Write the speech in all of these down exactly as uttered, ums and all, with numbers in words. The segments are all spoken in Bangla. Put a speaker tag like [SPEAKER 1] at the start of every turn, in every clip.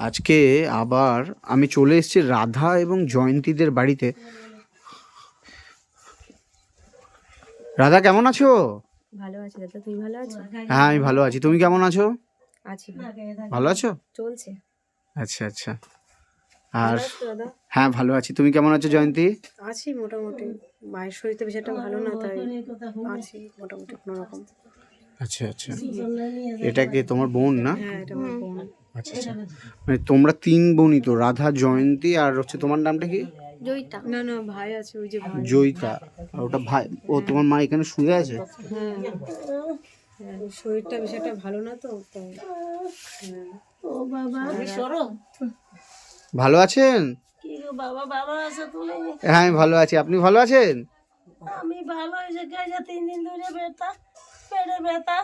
[SPEAKER 1] আজকে আবার আমি চলে এসেছি রাধা এবং জয়ন্তীদের বাড়িতে। রাধা কেমন আছো?
[SPEAKER 2] ভালো আছি দাদা, তুমি ভালো আছো?
[SPEAKER 1] হ্যাঁ আমি ভালো আছি, তুমি কেমন আছো?
[SPEAKER 2] আছি,
[SPEAKER 1] ভালো আছো?
[SPEAKER 2] চলছে।
[SPEAKER 1] আচ্ছা আচ্ছা। আর
[SPEAKER 2] ভালো আছো দাদা?
[SPEAKER 1] হ্যাঁ ভালো আছি, তুমি কেমন আছো জয়ন্তী?
[SPEAKER 2] আছি মোটামুটি, মায়ের শরীর তো বেশ একটা ভালো না, তাই আছি মোটামুটি কোনো রকম।
[SPEAKER 1] আচ্ছা আচ্ছা, এটা কি তোমার বোন না?
[SPEAKER 2] হ্যাঁ এটা আমার বোন।
[SPEAKER 1] আচ্ছা আচ্ছা, মানে তোমরা তিন বোনই তো, রাধা জয়ন্তী আর হচ্ছে তোমার নামটা কি?
[SPEAKER 2] জয়িতা। না না ভাই আছে, ওই যে ভাই।
[SPEAKER 1] জয়িতা। আর ওটা ভাই। ও তোমার মা এখানে শুয়ে আছে?
[SPEAKER 2] হ্যাঁ হ্যাঁ, ওর শরীরটা বেশ একটা ভালো না তো, তাই। হ্যাঁ।
[SPEAKER 3] ও বাবা আমি সরো
[SPEAKER 1] ভালো আছেন?
[SPEAKER 3] কি গো বাবা, ভালো আছো তুমি?
[SPEAKER 1] হ্যাঁ আমি ভালো আছি, আপনি ভালো আছেন?
[SPEAKER 3] আমি ভালো, এই যে গায়ে তিন দিন ধরে ব্যথা, পেটে ব্যথা।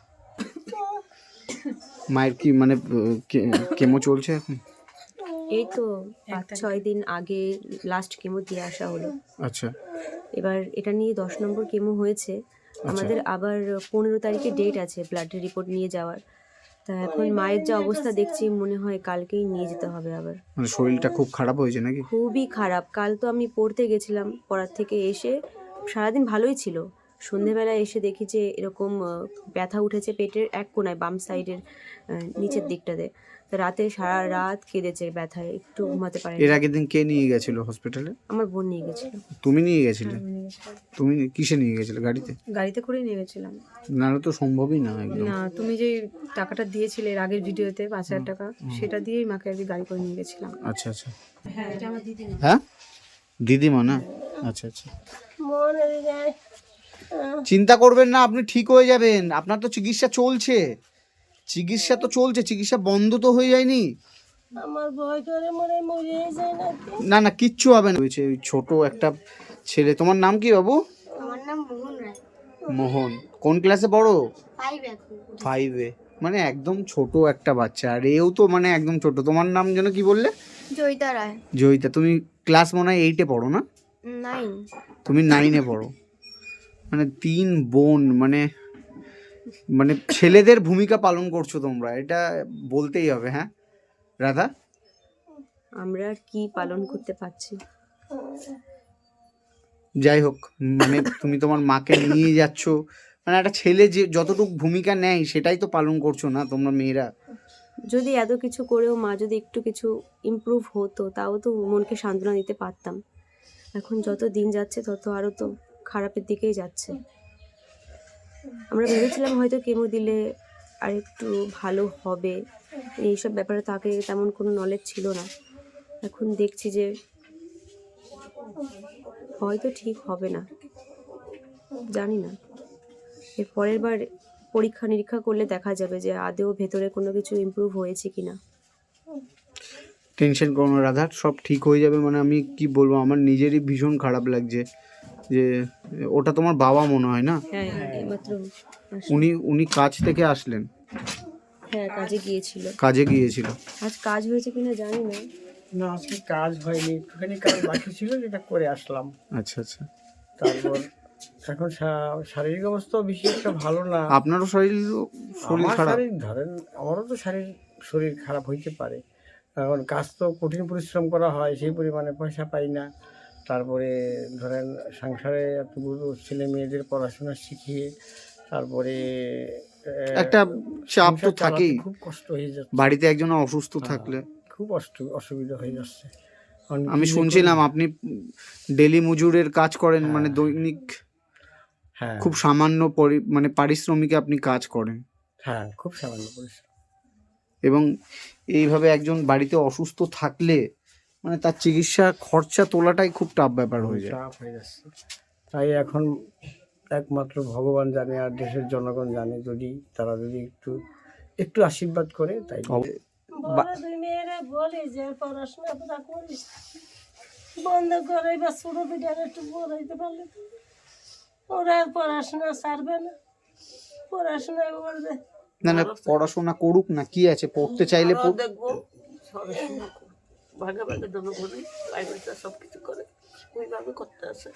[SPEAKER 1] মায়ের কি মানে কে- কেমো চলছে এখন?
[SPEAKER 2] এই তো পাঁচ ছয় দিন আগে লাস্ট কেমো দিয়ে আসা হলো।
[SPEAKER 1] আচ্ছা
[SPEAKER 2] এবার এটা নিয়ে দশ নম্বর কেমো হয়েছে আমাদের। আবার পনেরো তারিখে ডেট আছে ব্লাডের রিপোর্ট নিয়ে যাওয়ার। তা এখন মায়ের যা অবস্থা দেখছি মনে হয় কালকেই নিয়ে যেতে হবে আবার।
[SPEAKER 1] মানে শরীরটা খুব খারাপ হয়েছে নাকি?
[SPEAKER 2] খুবই খারাপ। কাল তো আমি পড়তে গেছিলাম, পড়ার থেকে এসে সারাদিন ভালোই ছিল, সন্ধেবেলায় এসে দেখি যে এরকম আহ, ব্যথা উঠেছে পেটের এক কোণায়, বাম সাইডের নিচের দিকটাতে। তা রাতে সারা রাত কেঁদেছে ব্যথায়, একটু ঘুমাতে পারেনি।
[SPEAKER 1] এর আগের দিন কে নিয়ে গেছিল হসপিটালে?
[SPEAKER 2] আমার বোন নিয়ে গেছিল।
[SPEAKER 1] তুমি নিয়ে গেছিলে? তুমি কিসে নিয়ে গেছিলে? গাড়িতে?
[SPEAKER 2] গাড়িতে করেই নিয়ে গেছিলাম।
[SPEAKER 1] নাহলে তো সম্ভবই না একদম।
[SPEAKER 2] না, তুমি যে টাকাটা দিয়েছিলে এর আগের ভিডিওতে পাঁচ হাজার টাকা, সেটা দিয়েই মাকে আর কি গাড়ি করে নিয়ে গেছিলাম।
[SPEAKER 1] আচ্ছা আচ্ছা।
[SPEAKER 2] হ্যাঁ এটা আমার দিদি।
[SPEAKER 1] হ্যাঁ দিদিমা না? আচ্ছা আচ্ছা,
[SPEAKER 3] মনের গায়ে
[SPEAKER 1] চিন্তা করবেন না, আপনি ঠিক হয়ে যাবেন। আপনার তো চিকিৎসা চলছে, চিকিৎসা তো চলছে, চিকিৎসা বন্ধ তো হয়ে যায়নি।
[SPEAKER 3] আমার ভয় করে মনে মরে যায় নাকি।
[SPEAKER 1] না না কিচ্ছু হবে না। হয়েছে ওই ছোট একটা ছেলে। তোমার নাম কি বাবু?
[SPEAKER 4] আমার নাম মোহন রায়।
[SPEAKER 1] মোহন। কোন ক্লাসে পড়ো?
[SPEAKER 4] ফাইভ এখন।
[SPEAKER 1] ফাইভে, মানে একদম ছোট একটা বাচ্চা। আর এও তো মানে একদম ছোট। তোমার নাম যেন কি বললে?
[SPEAKER 4] জয়িতা রায়।
[SPEAKER 1] জয়িতা। তুমি ক্লাস মনে হয় এইটে পড়ো না?
[SPEAKER 4] নাইন।
[SPEAKER 1] তুমি নাইনে পড়ো। মানে তিন বোন, মানে মানে ছেলেদের ভূমিকা পালন করছো তোমরা, এটা বলতেই হবে। হ্যাঁ রাধা?
[SPEAKER 2] আমরা আর কি পালন করতে পারছি।
[SPEAKER 1] যাই হোক, মানে তুমি তোমার মাকে নিয়ে যাচ্ছ, মানে একটা ছেলে যে যতটুকু ভূমিকা নেয় সেটাই তো পালন করছো না তোমরা মেয়েরা?
[SPEAKER 2] যদি এত কিছু করেও মা যদি একটু কিছু ইমপ্রুভ হতো, তাও তো মনকে সান্ত্বনা দিতে পারতাম। এখন যত দিন যাচ্ছে তত আরও তো খারাপের দিকেই যাচ্ছে। আমরা ভেবেছিলাম হয়তো কেমো দিলে আর একটু ভালো হবে, এইসব ব্যাপারে তাকে তেমন কোনো নলেজ ছিল না। এখন দেখছি যে হয়তো ঠিক হবে না, জানি না। এর পরের বার পরীক্ষা নিরীক্ষা করলে দেখা যাবে যে আদৌ ভেতরে কোনো কিছু ইমপ্রুভ হয়েছে কিনা।
[SPEAKER 1] টেনশন করো না রাধা, সব ঠিক হয়ে যাবে। মানে আমি কি বলবো, আমার নিজেরই ভীষণ খারাপ লাগছে যে ওটা তোমার বাবা মনে হয় না?
[SPEAKER 2] হ্যাঁ হ্যাঁ এইমাত্র আসলো।
[SPEAKER 1] উনি উনি কাজ থেকে আসলেন?
[SPEAKER 2] হ্যাঁ কাজে গিয়েছিল।
[SPEAKER 1] কাজে গিয়েছিল।
[SPEAKER 2] আজ কাজ হয়েছে কিনা জানি না।
[SPEAKER 5] না আজকে কাজ হয়নি, একটুখানি কাজ বাকি ছিল, যেটা করে আসলাম।
[SPEAKER 1] আচ্ছা আচ্ছা।
[SPEAKER 5] তারপর এখন শা- শারীরিক অবস্থা বেশি একটা ভালো না।
[SPEAKER 1] আপনারও শরীর শরীর
[SPEAKER 5] আমার
[SPEAKER 1] খারাপ?
[SPEAKER 5] শারীর ধরেন, আমারও তো শারীর শরীর খারাপ হইতে পারে। এখন কাজ তো কঠিন পরিশ্রম করা হয়, সেই পরিমাণে পয়সা পাই না। তারপরে ধরেন সংসারে এতগুলো ছেলে মেয়েদের পড়াশোনা শিখিয়ে তারপরে আহ,
[SPEAKER 1] একটা চাপ তো
[SPEAKER 5] সংসার চালাতে
[SPEAKER 1] থাকেই,
[SPEAKER 5] খুব কষ্ট হয়ে যাচ্ছে।
[SPEAKER 1] বাড়িতে একজন অসুস্থ থাকলে।
[SPEAKER 5] খুব অসু- অসুবিধা হয়ে যাচ্ছে। এখন
[SPEAKER 1] আমি
[SPEAKER 5] কি যে
[SPEAKER 1] শুনছিলাম
[SPEAKER 5] করি?
[SPEAKER 1] আপনি ডেলি মজুরের কাজ করেন, মানে দৈনিক
[SPEAKER 5] হ্যাঁ
[SPEAKER 1] খুব সামান্য পরি মানে পারিশ্রমিকে আপনি কাজ করেন,
[SPEAKER 5] হ্যাঁ খুব সামান্য পরিশ্রম।
[SPEAKER 1] এবং এইভাবে একজন বাড়িতে অসুস্থ থাকলে মানে তার চিকিৎসা খরচা তোলাটাই খুব টাফ ব্যাপার হয়ে যায়।
[SPEAKER 5] চাপ হয়ে যাচ্ছে। তাই এখন একমাত্র ভগবান জানে আর দেশের জনগণ জানে, যদি তারা যদি একটু একটু আশীর্বাদ করে তাই।
[SPEAKER 1] অব-
[SPEAKER 3] বড় দুই মেয়েরা বলি যে পড়াশোনা তোরা করিস, বন্ধ করে বা ছোট দুইটা একটু পড়াইতে পারলে তো। ওরা আর পড়াশোনা ছাড়বে না, পড়াশোনা করবে।
[SPEAKER 1] না না পড়াশোনা করুক না, কি আছে, পড়তে চাইলে পড়-
[SPEAKER 3] দেখবো ভাগে ভাগে দোনো করে প্রাইভেটটা সব কিছু করে ওইভাবে করতে আছে।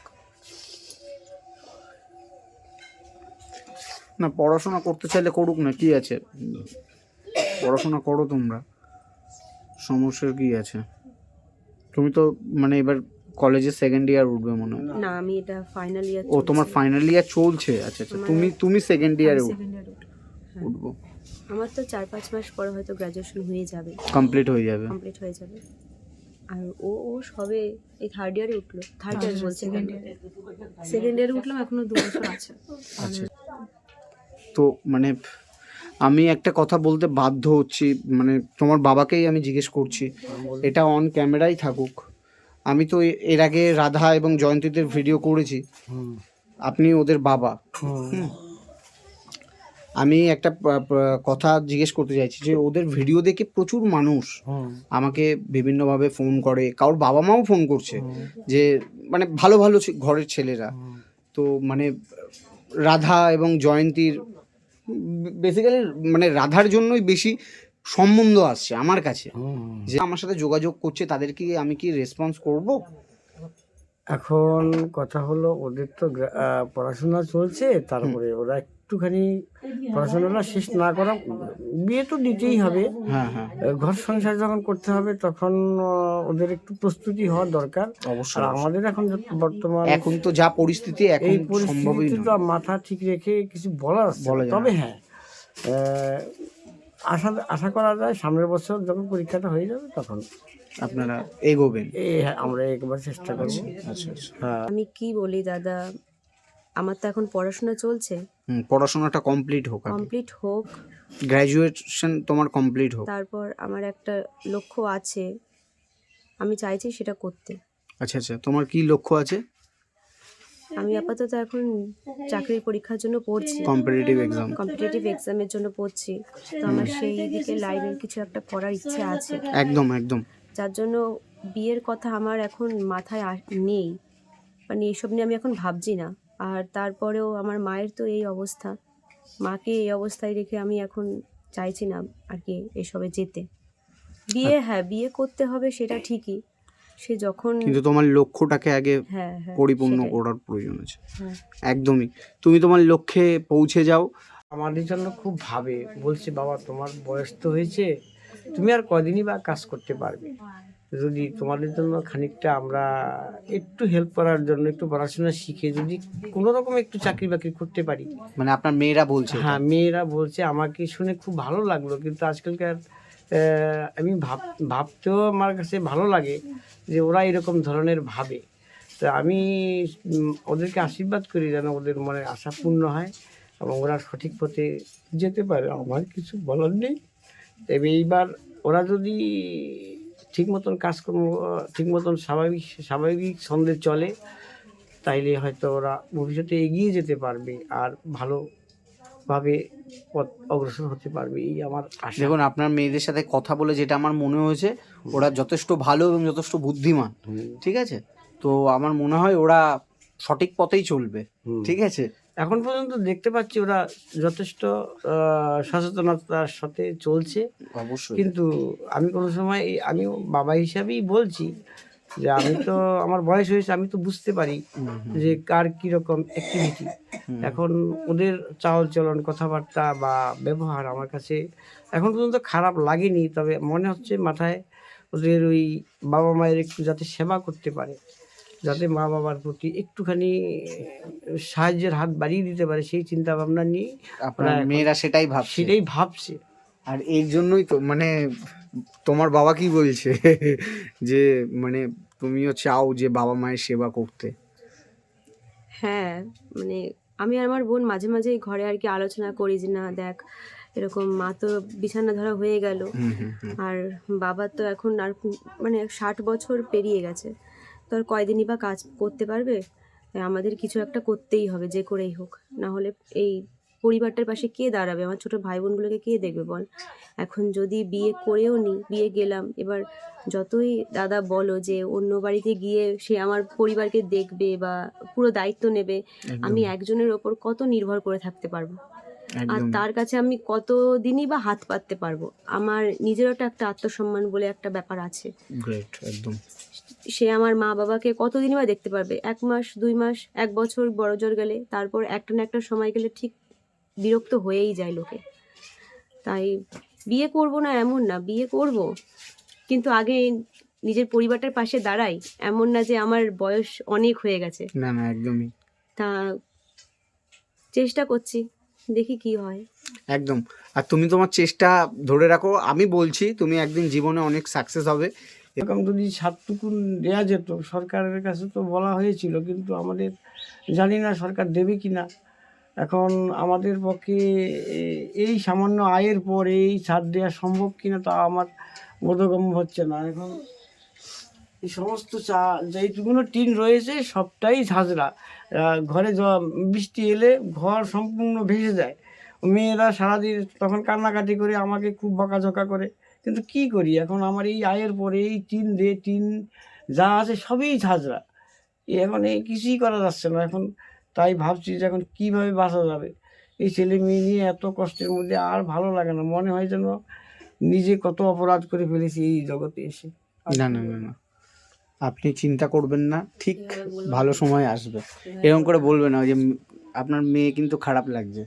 [SPEAKER 1] না পড়াশোনা করতে চাইলে করুক না, কি আছে, পড়াশোনা করো তোমরা, সমস্যা কি আছে? তুমি তো মানে এবার কলেজে সেকেন্ড ইয়ার উঠবে মনে হয়।
[SPEAKER 2] না, আমি এটা ফাইনাল ইয়ার।
[SPEAKER 1] ও তোমার ফাইনাল ইয়ার চলছে? আচ্ছা আচ্ছা, তুমি তুমি সেকেন্ড ইয়ারে
[SPEAKER 2] সেকেন্ড ইয়ার
[SPEAKER 1] উঠবো,
[SPEAKER 2] আমার তো চার পাঁচ মাস পরে হয়তো গ্র্যাজুয়েশন হয়ে যাবে,
[SPEAKER 1] কমপ্লিট হয়ে যাবে।
[SPEAKER 2] কমপ্লিট হয়ে যাবে। আর ও ও সবে এই থার্ড ইয়ারে উঠলো, থার্ড ইয়ার বলছে, সেকেন্ড ইয়ারে উঠলাম, এখনো দু বছর আছে।
[SPEAKER 1] আচ্ছা, তো মানে আমি একটা কথা বলতে বাধ্য হচ্ছি, মানে তোমার বাবাকেই আমি জিজ্ঞেস করছি, এটা অন ক্যামেরাই থাকুক। আমি তো এ- এর আগে রাধা এবং জয়ন্তীদের ভিডিও করেছি, আপনি ওদের বাবা। হুম। আমি একটা প- প- কথা জিজ্ঞেস করতে চাইছি যে ওদের ভিডিও দেখে প্রচুর মানুষ আমাকে বিভিন্নভাবে ফোন করে, কারোর বাবা মাও ফোন করছে যে মানে ভালো ভালো ছে- ঘরের ছেলেরা, তো মানে রাধা এবং জয়ন্তীর বেসিক্যালি মানে রাধার জন্যই বেশি সম্বন্ধ আসছে আমার কাছে, যে আমার সাথে যোগাযোগ করছে, তাদেরকে আমি কি রেসপন্স করব?
[SPEAKER 5] এখন কথা হলো ওদের তো গ্রা- আহ, পড়াশোনা চলছে, তারপরে ওরা একটুখানি পড়াশোনাটা শেষ না করা, বিয়ে তো দিতেই হবে,
[SPEAKER 1] হ্যাঁ হ্যাঁ,
[SPEAKER 5] আহ, ঘর সংসার যখন করতে হবে তখন আহ, ওদের একটু প্রস্তুতি হওয়া দরকার।
[SPEAKER 1] অবশ্যই
[SPEAKER 5] আর আমাদের এখন যত বর্তমান
[SPEAKER 1] এখন তো যা পরিস্থিতি, এখন
[SPEAKER 5] এই
[SPEAKER 1] সম্ভবই
[SPEAKER 5] পরিস্থিতি তো
[SPEAKER 1] নয়।
[SPEAKER 5] মাথা ঠিক রেখে কিছু বলা যাচ্ছে
[SPEAKER 1] বলা
[SPEAKER 5] না।
[SPEAKER 1] যায়
[SPEAKER 5] তবে
[SPEAKER 1] না।
[SPEAKER 5] হ্যাঁ, আহ, আশা আশা করা যায় সামনের বছর যখন পরীক্ষাটা হয়ে যাবে তখন
[SPEAKER 1] আপনারা এগোবেন।
[SPEAKER 5] এই হ্যাঁ, আমরা একবার চেষ্টা করবো।
[SPEAKER 1] আচ্ছা আচ্ছা,
[SPEAKER 5] হ্যাঁ,
[SPEAKER 2] আমি কি বলি দাদা, আমার তো এখন পড়াশোনা চলছে,
[SPEAKER 1] হুম, পড়াশোনাটা কমপ্লিট হোক,
[SPEAKER 2] কমপ্লিট হোক,
[SPEAKER 1] গ্র্যাজুয়েশন তোমার কমপ্লিট হোক।
[SPEAKER 2] তারপর আমার একটা লক্ষ্য আছে, আমি চাইছি সেটা করতে।
[SPEAKER 1] আচ্ছা আচ্ছা, তোমার কি লক্ষ্য আছে?
[SPEAKER 2] আমি আপাতত এখন চাকরির পরীক্ষার জন্য পড়ছি,
[SPEAKER 1] কম্পিটিটিভ এক্সাম।
[SPEAKER 2] কম্পিটিটিভ এক্সামের জন্য পড়ছি, তো আমার সেই দিকে লাইনের কিছু একটা করার ইচ্ছে আছে,
[SPEAKER 1] একদম একদম।
[SPEAKER 2] যার জন্য বিয়ের কথা আমার এখন মাথায় আস- নেই, মানে এইসব নিয়ে আমি এখন ভাবছি না। আর তারপরেও আমার মায়ের তো এই অবস্থা, মাকে এই অবস্থায় রেখে আমি এখন চাইছি না আর কি এসবে যেতে। বিয়ে, হ্যাঁ বিয়ে করতে হবে সেটা ঠিকই, সে যখন,
[SPEAKER 1] কিন্তু তোমার লক্ষ্যটাকে আগে
[SPEAKER 2] হ্যাঁ হ্যাঁ
[SPEAKER 1] পরিপূর্ণ
[SPEAKER 2] সেটাই।
[SPEAKER 1] করার প্রয়োজন আছে।
[SPEAKER 2] হ্যাঁ।
[SPEAKER 1] একদমই, তুমি তোমার লক্ষ্যে পৌঁছে যাও।
[SPEAKER 5] আমাদের জন্য খুব ভাবে, বলছে বাবা তোমার বয়স তো হয়েছে, তুমি আর কদিনই বা কাজ করতে পারবে, যদি তোমাদের জন্য খানিকটা আমরা একটু হেল্প করার জন্য একটু পড়াশোনা শিখে যদি কোনো রকম একটু চাকরি বাকরি করতে পারি।
[SPEAKER 1] মানে আপনার মেয়েরা বলছে এটা?
[SPEAKER 5] হ্যাঁ, মেয়েরা বলছে, আমাকে শুনে খুব ভালো লাগলো। কিন্তু আজকালকার আহ, আমি ভাব ভাবতেও আমার কাছে ভালো লাগে যে ওরা এরকম ধরনের ভাবে। তো আমি উম, ওদেরকে আশীর্বাদ করি যেন ওদের মনে আশা পূর্ণ হয় এবং ওরা সঠিক পথে যেতে পারে। আমার কিছু বলার নেই। তবে এইবার ওরা যদি ঠিক মতন কাজকর্ম ঠিক মতন স্বাভাবিক স্বাভাবিক ছন্দে চলে, তাইলে হয়তো ওরা ভবিষ্যতে এগিয়ে যেতে পারবে আর ভালোভাবে পথ অগ্রসর হতে পারবে, এই আমার আশা।
[SPEAKER 1] দেখুন, আপনার মেয়েদের সাথে কথা বলে যেটা আমার মনে হয়েছে, ওরা যথেষ্ট ভালো এবং যথেষ্ট বুদ্ধিমান, ঠিক আছে? তো আমার মনে হয় ওরা সঠিক পথেই চলবে,
[SPEAKER 5] হুম।
[SPEAKER 1] ঠিক আছে?
[SPEAKER 5] এখন পর্যন্ত দেখতে পাচ্ছি ওরা যথেষ্ট আহ, সচেতনতার সাথে চলছে।
[SPEAKER 1] অবশ্যই।
[SPEAKER 5] কিন্তু আমি কোনো সময় এই- আমি বাবা হিসাবেই বলছি যে আমি তো আমার বয়স হয়েছে, আমি তো বুঝতে পারি যে কার কীরকম অ্যাক্টিভিটি। এখন ওদের চাল চলন, কথাবার্তা বা ব্যবহার আমার কাছে এখন পর্যন্ত খারাপ লাগেনি। তবে মনে হচ্ছে মাথায় ওদের ওই বাবা মায়ের একটু যাতে সেবা করতে পারে, যাতে মা বাবার প্রতি একটুখানি সাহায্যের হাত বাড়িয়ে দিতে পারে, সেই চিন্তা ভাবনা নিয়ে
[SPEAKER 1] আপনার
[SPEAKER 5] এখন
[SPEAKER 1] মেয়েরা সেটাই ভাবছে।
[SPEAKER 5] সেটাই ভাবছে।
[SPEAKER 1] আর এর জন্যই তো মানে তোমার বাবা কি বলছে যে মানে তুমিও চাও যে বাবা মায়ের সেবা করতে।
[SPEAKER 2] হ্যাঁ, মানে আমি আর আমার বোন মাঝে মাঝে ঘরে আর কি আলোচনা করি যে না দেখ, এরকম মা তো বিছানা ধরা হয়ে গেল,
[SPEAKER 1] হুম হুম হুম।
[SPEAKER 2] আর বাবা তো এখন আর কু- মানে ষাট বছর পেরিয়ে গেছে, তো আর কয়দিনই বা কাজ করতে পারবে, তাই আমাদের কিছু একটা করতেই হবে যে করেই হোক, না হলে এই পরিবারটার পাশে কে দাঁড়াবে, আমার ছোট ভাই বোনগুলোকে কে দেখবে বল। এখন যদি বিয়ে করেও নি, বিয়ে গেলাম, এবার যতই দাদা বলো যে অন্য বাড়িতে গিয়ে সে আমার পরিবারকে দেখবে বা পুরো দায়িত্ব নেবে, আমি একজনের ওপর কত নির্ভর করে থাকতে পারবো, আর
[SPEAKER 1] একদম
[SPEAKER 2] তার কাছে আমি কত দিনই বা হাত পাততে পারবো। আমার নিজেরও তো একটা আত্মসম্মান বলে একটা ব্যাপার আছে,
[SPEAKER 1] গ্রেট, একদম।
[SPEAKER 2] সে আমার মা বাবাকে কতদিনই বা দেখতে পারবে, এক মাস দুই মাস এক বছর বড় জোর গেলে, তারপর একটা না একটা সময় গেলে ঠিক বিরক্ত হয়েই যায় লোকে। তাই বিয়ে করব না এমন না, বিয়ে করব, কিন্তু আগে নিজের পরিবারটার পাশে দাঁড়াই, এমন না যে আমার বয়স অনেক হয়ে গেছে।
[SPEAKER 1] না না একদমই
[SPEAKER 2] তা চেষ্টা করছি, দেখি কি হয়।
[SPEAKER 1] একদম। আর তুমি তোমার চেষ্টা ধরে রাখো, আমি বলছি তুমি একদিন জীবনে অনেক সাকসেস হবে।
[SPEAKER 5] এরকম যদি সাতটুকুন দেওয়া যেত, সরকারের কাছে তো বলা হয়েছিল, কিন্তু আমাদের জানি না সরকার দেবে কি না। এখন আমাদের পক্ষে এ- এই সামান্য আয়ের পর এই ছাড় দেওয়া সম্ভব কিনা তা আমার বোধগম্য হচ্ছে না। এখন এই সমস্ত চা যেইটুকুনো টিন রয়েছে সবটাই ঝাঁঝরা, আহ, ঘরে জ- বৃষ্টি এলে ঘর সম্পূর্ণ ভেসে যায়। মেয়েরা সারাদিন তখন কান্নাকাটি করে আমাকে খুব বকাঝকা করে, কিন্তু কি করি এখন, আমার এই আয়ের পরে এই টিন দিয়ে টিন যা আছে সবই ঝাঁঝরা। এই এখন এই কিছুই করা যাচ্ছে না এখন। তাই ভাবছি যে এখন কীভাবে বাঁচা যাবে। এই ছেলে মেয়ে নিয়ে এত কষ্টের মধ্যে আর ভালো লাগে না, মনে হয় যেন নিজে কত অপরাধ করে ফেলেছি এই জগতে এসে।
[SPEAKER 1] না না না না আপনি চিন্তা করবেন না, ঠিক ভালো সময় আসবে। এরকম করে বলবে না যে উম, আপনার মেয়ে কিন্তু খারাপ লাগছে,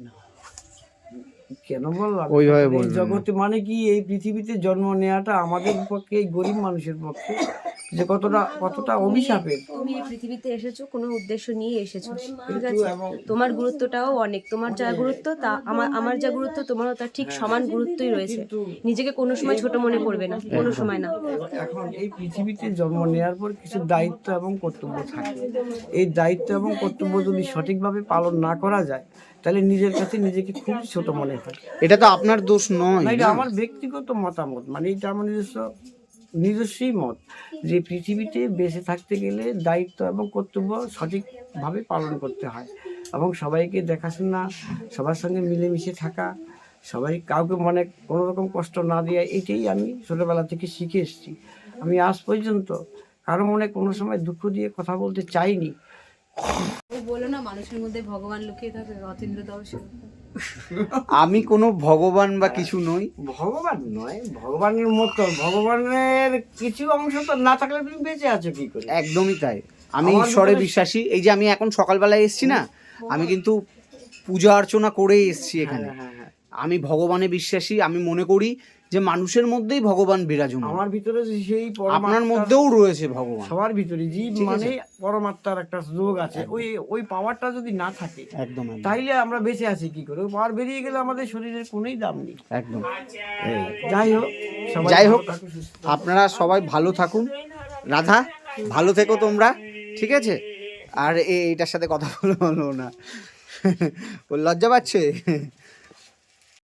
[SPEAKER 5] কেন বললাম,
[SPEAKER 1] ওইভাবে
[SPEAKER 5] এই
[SPEAKER 1] বলবেন না।
[SPEAKER 5] জগতে মানে কি এই পৃথিবীতে জন্ম নেওয়াটা আমাদের পক্ষে, এই গরিব মানুষের পক্ষে যে কতটা কতটা অভিশাপের।
[SPEAKER 2] তুমি এই পৃথিবীতে এসেছো কোনো উদ্দেশ্য নিয়ে এসেছো, ঠিক
[SPEAKER 5] কিন্তু
[SPEAKER 2] আছে?
[SPEAKER 5] এবং
[SPEAKER 2] তোমার গুরুত্বটাও অনেক, তোমার যা গুরুত্ব তা আমার আমার যা গুরুত্ব তোমারও তার ঠিক সমান গুরুত্বই রয়েছে।
[SPEAKER 5] কিন্তু
[SPEAKER 2] নিজেকে কোনো সময় ছোট মনে করবে না, কোনো সময় না।
[SPEAKER 5] এখন এই পৃথিবীতে জন্ম নেওয়ার পর কিছু দায়িত্ব এবং কর্তব্য থাকে। এই দায়িত্ব এবং কর্তব্য যদি সঠিকভাবে পালন না করা যায় তাহলে নিজের কাছে নিজেকে খুব ছোট মনে হয়।
[SPEAKER 1] এটা তো আপনার দোষ নয়
[SPEAKER 5] না, এটা
[SPEAKER 1] না?
[SPEAKER 5] আমার ব্যক্তিগত মতামত, মানে এটা আমার নিজস্ব নিজস্বই মত যে পৃথিবীতে বেঁচে থাকতে গেলে দায়িত্ব এবং কর্তব্য সঠিকভাবে পালন করতে হয় এবং সবাইকে দেখাশোনা, সবার সঙ্গে মিলেমিশে থাকা, সবাই কাউকে মনে কোনো রকম কষ্ট না দেওয়া, এটাই আমি ছোটোবেলা থেকে শিখে এসেছি। আমি আজ পর্যন্ত কারো মনে কোনো সময় দুঃখ দিয়ে কথা বলতে চাইনি।
[SPEAKER 6] ও বলো না মানুষের মধ্যে ভগবান লুকিয়ে থাকে, অতীন্দ্র দাও সেরকম।
[SPEAKER 1] আমি কোনো ভগবান বা কিছু নই।
[SPEAKER 5] ভগবান নয়, ভগবানের মতো ভগবানের কিছু অংশ তো না থাকলে তুমি বেঁচে আছো কি করে?
[SPEAKER 1] একদমই তাই, আমি
[SPEAKER 5] আমার
[SPEAKER 1] ঈশ্বরে
[SPEAKER 5] ভিতরে-
[SPEAKER 1] বিশ্বাসী। এই যে আমি এখন সকালবেলায় এসেছি না, আমি কিন্তু পূজা অর্চনা করেই এসেছি এখানে।
[SPEAKER 5] হ্যাঁ, হ্যাঁ, হ্যাঁ।
[SPEAKER 1] আমি ভগবানে বিশ্বাসী, আমি মনে করি যে মানুষের মধ্যেই ভগবান বিরাজমান।
[SPEAKER 5] আমার ভিতরে যে সেই
[SPEAKER 1] আপনার
[SPEAKER 5] পরমাত্মার-
[SPEAKER 1] মধ্যেও রয়েছে ভগবান,
[SPEAKER 5] সবার ভিতরে জীব
[SPEAKER 1] ঠিক আছে।
[SPEAKER 5] মানে পরমাত্মার একটা যোগ আছে, ওই ওই পাওয়ারটা যদি না থাকে
[SPEAKER 1] একদম একদম
[SPEAKER 5] তাইলে আমরা বেঁচে আছি কি করে? ওই পাওয়ার বেরিয়ে গেলে আমাদের শরীরের কোনোই দাম নেই।
[SPEAKER 1] একদম।
[SPEAKER 5] যাই হোক, সবাই
[SPEAKER 1] যাই
[SPEAKER 5] ভালো
[SPEAKER 1] হোক,
[SPEAKER 5] থাকুন, সুস্থ থাকুন।
[SPEAKER 1] আপনারা সবাই ভালো থাকুন। রাধা, ভালো থেকো তোমরা, ঠিক আছে? আর এ- এইটার সাথে কথা বলবো না, ও লজ্জা পাচ্ছে।